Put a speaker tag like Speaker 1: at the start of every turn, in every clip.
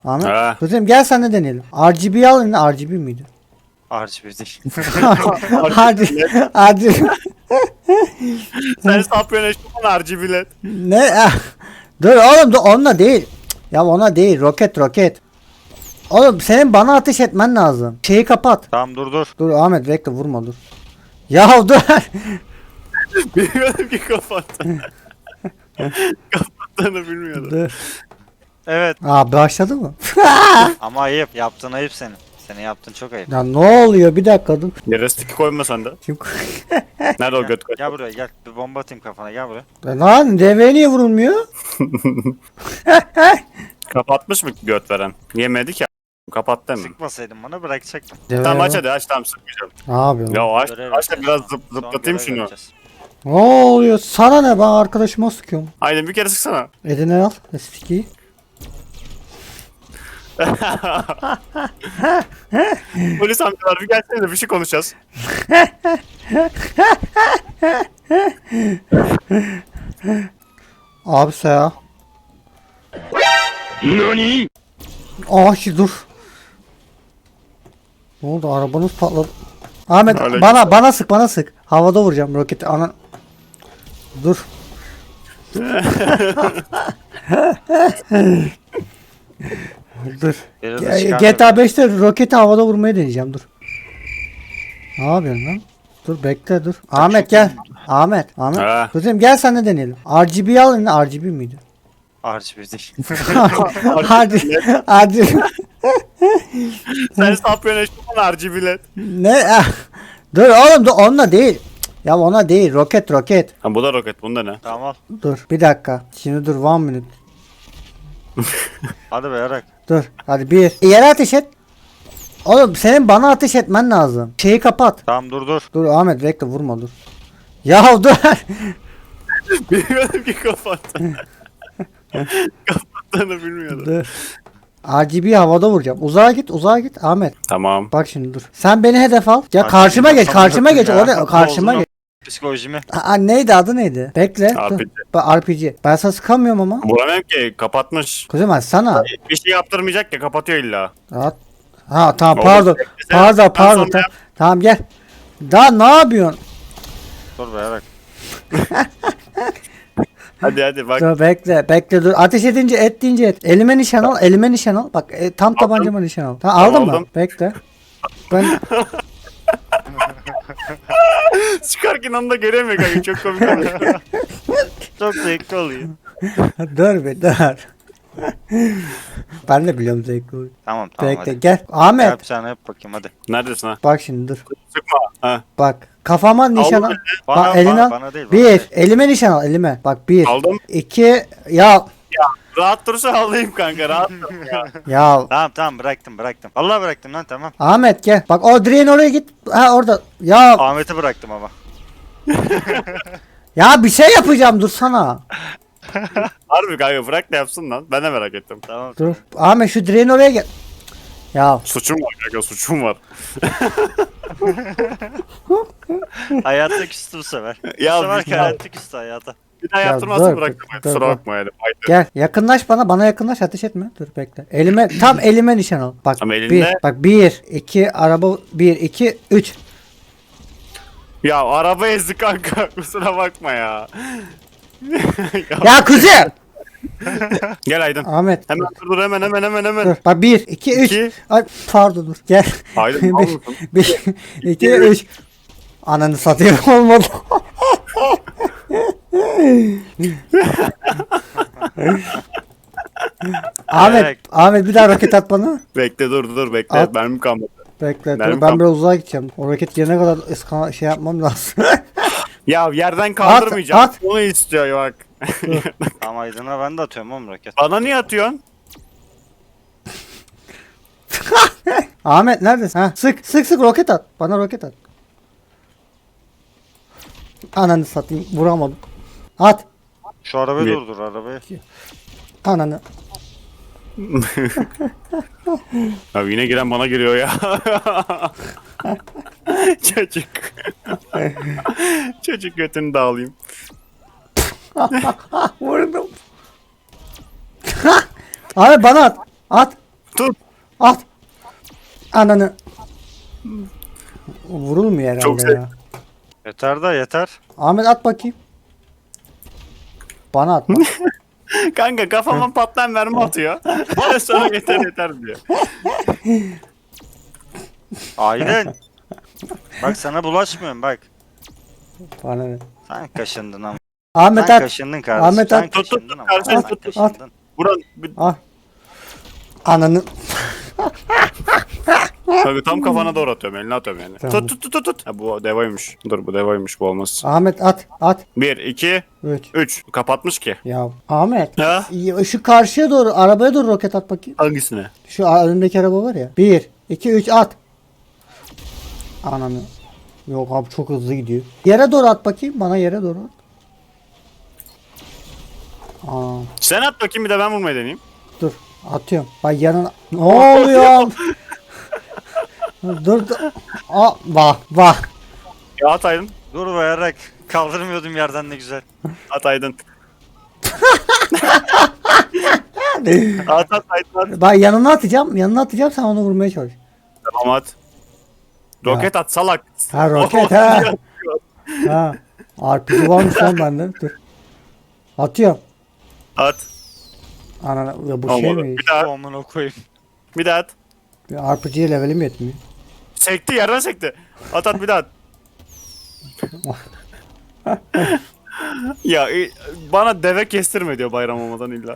Speaker 1: Ahmet.
Speaker 2: Ha.
Speaker 1: Kızım gel sen de deneyelim. RGB al yine, RGB miydi?
Speaker 3: RGB değil.
Speaker 1: RGB.
Speaker 2: Sen sapıyorsun eşitman RGB'let.
Speaker 1: Ne? Ah. Dur oğlum, dur onunla değil. Ya ona değil, roket. Oğlum senin bana ateş etmen lazım. Şeyi kapat.
Speaker 3: Tamam dur.
Speaker 1: Dur Ahmet bekle, vurma dur. Ya dur.
Speaker 2: Bilmiyordum ki kapattı. Kapattığını bilmiyordum.
Speaker 1: Dur.
Speaker 3: Evet.
Speaker 1: Aa başladı mı?
Speaker 3: Ama ayıp. Yaptığın ayıp senin. Senin yaptığın çok ayıp.
Speaker 1: Ya ne oluyor, bir dakika dur.
Speaker 2: Yere stick koyma sen de.
Speaker 1: Kim
Speaker 2: Nerede o göt koy?
Speaker 3: Gel buraya gel. Bir bomba atayım kafana gel buraya.
Speaker 1: Lan devreye niye vurulmuyor?
Speaker 2: Kapatmış mı göt veren? Yemedi ki. Kapattı mı?
Speaker 3: Sıkmasaydın bana bırakacaktım.
Speaker 1: Deveye
Speaker 2: Tamam aç
Speaker 1: bak.
Speaker 2: hadi aç, tamam sıkmayacağım.
Speaker 1: Ne yapıyorsun?
Speaker 2: Ya aç,
Speaker 3: Görev
Speaker 2: aç da
Speaker 3: yapacağız.
Speaker 2: biraz
Speaker 3: Son
Speaker 2: zıplatayım
Speaker 3: görev
Speaker 2: şunu.
Speaker 3: yapacağız.
Speaker 1: Ne oluyor? Sana ne, ben arkadaşıma sıkıyorum.
Speaker 2: Aynen bir kere sıksana.
Speaker 1: Eline al. Eskiyi.
Speaker 2: Polis amcalar bir gelsene de bir şey konuşacağız.
Speaker 1: Abi ya.
Speaker 2: Nani?
Speaker 1: Dur. Ne oldu, arabanız patladı. Ahmet
Speaker 2: Öyle
Speaker 1: bana sık. Havada vuracağım roketi. Ana. Dur. Dur.
Speaker 3: Biri de çıkar
Speaker 1: GTA
Speaker 3: tabii.
Speaker 1: 5'te roketi havada vurmaya deneyeceğim, dur. Ne yapıyorsun lan? Dur bekle dur. Ahmet gel. Ahmet.
Speaker 2: Ha.
Speaker 1: Kızım gel sen de deneyelim. RGB al yine, RGB miydi?
Speaker 3: RGB değil.
Speaker 1: RGB.
Speaker 2: Sen sapıyorsun eşitman RGB'let.
Speaker 1: Ne? Ah. Dur oğlum, dur onunla değil. Ya ona değil, roket.
Speaker 2: Ha bu da roket, bunda ne?
Speaker 3: Tamam al.
Speaker 1: Dur bir dakika. Şimdi dur, 1 minute.
Speaker 3: Hadi be yarak.
Speaker 1: Dur hadi bir. Yere ateş et. Oğlum senin bana ateş etmen lazım. Şeyi kapat.
Speaker 3: Tamam dur.
Speaker 1: Dur Ahmet bekle, vurma dur. Ya dur.
Speaker 2: Bilmiyordum ki kapattı. Kapattığını bilmiyordum.
Speaker 1: Dur. RGB havada vuracağım. Uzağa git Ahmet.
Speaker 2: Tamam.
Speaker 1: Bak şimdi dur. Sen beni hedef al. Ya
Speaker 3: RGB
Speaker 1: karşıma geç,
Speaker 3: kafamı ya.
Speaker 1: Orada karşıma geç.
Speaker 3: Psikolojimi.
Speaker 1: Neydi adı neydi? Bekle.
Speaker 2: RPG.
Speaker 1: Dur. RPG. Ben sana sıkamıyorum ama.
Speaker 2: Vuramıyorum ki, kapatmış.
Speaker 1: Kuzum açsana.
Speaker 2: Bir şey yaptırmayacak ya, kapatıyor illa.
Speaker 1: Rahat. Ha tamam,
Speaker 2: Oğlum,
Speaker 1: pardon.
Speaker 2: beklesene. Ben
Speaker 1: Pardon.
Speaker 2: sonra
Speaker 1: Tamam. Tamam gel. Daha ne yapıyorsun?
Speaker 3: Dur be yarak.
Speaker 2: Hadi bak.
Speaker 1: Dur bekle dur. Ateş edince et. Elime nişan al. Bak tam tabancama nişan al. Tamam, aldın mı?
Speaker 2: aldım.
Speaker 1: Bekle. Ben
Speaker 2: Çıkarken onu da göremiyor kanka, çok komik oluyor.
Speaker 3: Çok zevkli oluyor.
Speaker 1: dur bir dur. Ben de biliyorum zevkli oyun.
Speaker 3: Tamam
Speaker 1: Bekle
Speaker 3: hadi.
Speaker 1: gel. Ahmet
Speaker 3: Yapacağını yap bakayım hadi.
Speaker 2: Neredesin ha?
Speaker 1: bak şimdi dur.
Speaker 2: Sıkma. Ha.
Speaker 1: Bak kafama nişan al.
Speaker 2: eline.
Speaker 1: Bak eline al.
Speaker 3: Bana değil. Bana
Speaker 1: Bir.
Speaker 3: değil.
Speaker 1: Elime nişan al, elime. Bak 1.
Speaker 2: Aldım.
Speaker 1: 2. Ya.
Speaker 2: Rahat dursa alayım kanka, rahat dur ya.
Speaker 1: Ya.
Speaker 3: Tamam bıraktım. Allah bıraktım lan tamam.
Speaker 1: Ahmet gel. Bak o direğin oraya git. Ha orada. Ya.
Speaker 3: Ahmet'i bıraktım ama.
Speaker 1: Ya bir şey yapacağım, dursana.
Speaker 2: Harbi kanka, bırak da yapsın lan. Ben de merak ettim.
Speaker 3: Tamam.
Speaker 1: Dur. Ahmet şu direğin oraya gel. Ya.
Speaker 2: Suçum var kanka, suçum var.
Speaker 3: Hayatta küstü bu sefer.
Speaker 2: Ya
Speaker 3: Bu sefer
Speaker 2: bir-
Speaker 3: hayatta küstü hayata.
Speaker 2: Bir daha
Speaker 1: Ya
Speaker 2: yaptırmazsın,
Speaker 1: dur,
Speaker 2: bıraktım.
Speaker 1: dur,
Speaker 2: Kusura
Speaker 1: dur.
Speaker 2: bakma yani. Haydi.
Speaker 1: Gel yakınlaş bana yakınlaş, ateş etme. Dur bekle. Elime nişan al. Bak
Speaker 2: Ama
Speaker 1: 1.
Speaker 2: elinde-
Speaker 1: Bak 1 2 araba 1 2 3.
Speaker 2: Ya araba ezdi kanka, kusura bakma ya.
Speaker 1: Ya kuzu.
Speaker 2: Gel Aydın.
Speaker 1: Ahmet.
Speaker 2: Hemen dur hemen.
Speaker 1: Dur. Bak 1 2 3.
Speaker 2: İki.
Speaker 1: Ay pardon dur. Gel.
Speaker 2: Aydın, al mısın?
Speaker 1: 1 2 3. Ananı satayım, olmadı.
Speaker 3: Evet.
Speaker 1: Ahmet bir daha roket at bana.
Speaker 2: Bekle dur bekle.
Speaker 1: At.
Speaker 2: Benim kalmadı.
Speaker 1: Bekle
Speaker 2: Mermi
Speaker 1: dur, ben
Speaker 2: kalk-
Speaker 1: biraz uzağa gideceğim. O roket gelene kadar şey yapmam lazım.
Speaker 2: Ya yerden kaldırmayacağım.
Speaker 1: at.
Speaker 2: Onu istiyor bak.
Speaker 3: Ama Aydın'a ben de atıyorum oğlum roket.
Speaker 2: Bana niye atıyorsun?
Speaker 1: Ahmet neredesin? Ha, sık roket at. Bana roket at. Ananı satayım, vuramadım. At.
Speaker 3: Şu arabayı
Speaker 2: Bir-
Speaker 3: durdur arabayı.
Speaker 1: Ananı.
Speaker 2: Abi yine giren bana giriyor ya. Çocuk. Çocuk götünü dağılayım.
Speaker 1: Vurdum. Ahmet bana at. At.
Speaker 2: Tut.
Speaker 1: At. Ananı. Vurulmuyor herhalde
Speaker 2: Çok
Speaker 1: ya.
Speaker 3: Yeter da yeter.
Speaker 1: Ahmet at bakayım. Bana at.
Speaker 2: Kanka kafama patlayan mermi atıyor. Sonra yeter diyor.
Speaker 3: Aydın. Bak sana bulaşmıyorum bak.
Speaker 1: Bana ne?
Speaker 3: Sen kaşındın ama.
Speaker 1: Ahmet
Speaker 3: Sen
Speaker 1: at.
Speaker 3: kaşındın kardeşim.
Speaker 1: Ahmet
Speaker 3: Sen
Speaker 1: at.
Speaker 2: Tut, tut,
Speaker 3: kaşındın
Speaker 2: tut,
Speaker 3: ama.
Speaker 2: kardeşim,
Speaker 3: Sen
Speaker 2: tut, tut.
Speaker 3: kaşındın.
Speaker 2: Buran bir,
Speaker 1: Al. Ananı.
Speaker 2: kanka tam kafana doğru atıyorum. Eline atıyorum yani.
Speaker 1: Tamam.
Speaker 2: Tut. Ha, bu devaymış. Dur bu devaymış, bu olmaz.
Speaker 1: Ahmet at. At.
Speaker 2: 1, 2,
Speaker 1: 3.
Speaker 2: 3. Kapatmış ki.
Speaker 1: Ya Ahmet.
Speaker 2: Ha?
Speaker 1: Şu karşıya doğru, arabaya doğru roket at bakayım.
Speaker 2: Hangisine?
Speaker 1: Şu önündeki araba var ya. 1, 2, 3 at. Ananı. Yok abi çok hızlı gidiyor. Yere doğru at bakayım. Bana yere doğru at. Aa,
Speaker 2: Sen at bakayım, bir de ben vurmayı deneyeyim.
Speaker 1: dur. Atıyorum. Bak yanına. Ne oluyor? dur. Aa, bak.
Speaker 2: Ya at Aydın.
Speaker 3: Dur bayarak. Kaldırmıyordum yerden ne güzel.
Speaker 2: At Aydın. At Aydın at.
Speaker 1: Bak yanına atacağım. Yanına atacağım sen onu vurmaya çalış.
Speaker 2: Tamam at. Roket at salak.
Speaker 1: Ha roket ha. Ha. RPG varmış lan bende. Dur. Atıyorum.
Speaker 2: At.
Speaker 1: Anana ya bu şey
Speaker 2: Olmadı.
Speaker 1: mi?
Speaker 2: Bir daha.
Speaker 3: Amına koyayım.
Speaker 2: Bir daha at.
Speaker 1: RPG'ye levelim yetmiyor.
Speaker 2: Sekti, yerden sekti. At bir daha at. Ya bana deve kestirme diyor bayram olmadan illa.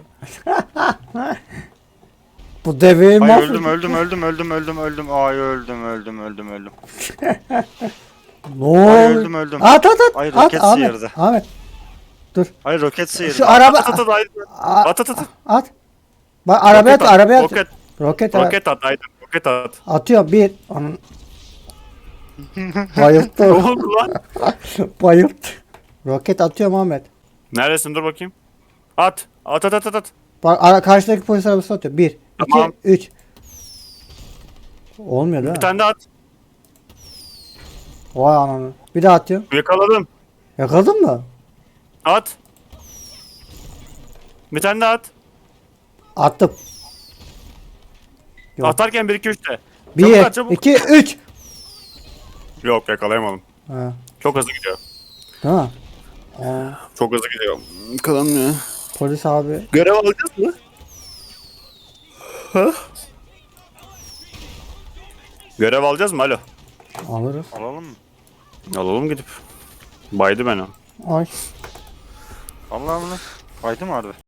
Speaker 1: Bu deveyi
Speaker 3: Ay
Speaker 1: mahvet.
Speaker 3: öldüm. Ay öldüm.
Speaker 1: Ne
Speaker 3: Ay
Speaker 1: oldu?
Speaker 3: öldüm.
Speaker 1: At.
Speaker 3: Ay,
Speaker 1: At
Speaker 3: roket
Speaker 1: Ahmet.
Speaker 3: sıyırdı.
Speaker 1: Ahmet.
Speaker 3: Ay roket sıyırdı.
Speaker 1: Şu araba
Speaker 2: At Aydın.
Speaker 1: A-
Speaker 2: At.
Speaker 1: at. Bak arabaya at, arabaya at.
Speaker 2: Roket.
Speaker 1: Roket at.
Speaker 2: Roket at Aydın. Roket at.
Speaker 1: Atıyor bir. Onun...
Speaker 2: Ne
Speaker 1: Bayılttı.
Speaker 2: oldu lan?
Speaker 1: Bayılttı. Roket atıyorum Ahmet.
Speaker 2: Neredesin, dur bakayım. At. At.
Speaker 1: Bak karşıdaki polis arabası atıyor. 1, 2,
Speaker 2: Tamam.
Speaker 1: 3. Olmuyor değil
Speaker 2: Bir
Speaker 1: mi?
Speaker 2: tane daha at.
Speaker 1: Vay ananı. Bir daha atıyorum.
Speaker 2: Yakaladım.
Speaker 1: Yakaladın mı?
Speaker 2: At. Bir tane daha at.
Speaker 1: Attım. Yok.
Speaker 2: Atarken 1 2 3 de.
Speaker 1: 1,
Speaker 2: at, çabuk.
Speaker 1: 2, 3.
Speaker 2: Yok, yakalayamadım.
Speaker 1: Ha.
Speaker 2: Çok hızlı gidiyor.
Speaker 1: Değil mi? Aa,
Speaker 2: Çok hızlı gidiyor. Kalan ne?
Speaker 1: polis abi.
Speaker 2: Görev alacağız mı? Ha? Görev alacağız mı? Alo.
Speaker 1: Alırız.
Speaker 3: Alalım mı?
Speaker 2: Alalım gidip. Baydı beni.
Speaker 1: Ay.
Speaker 3: Allah'ım lan. Fayda mı harbi?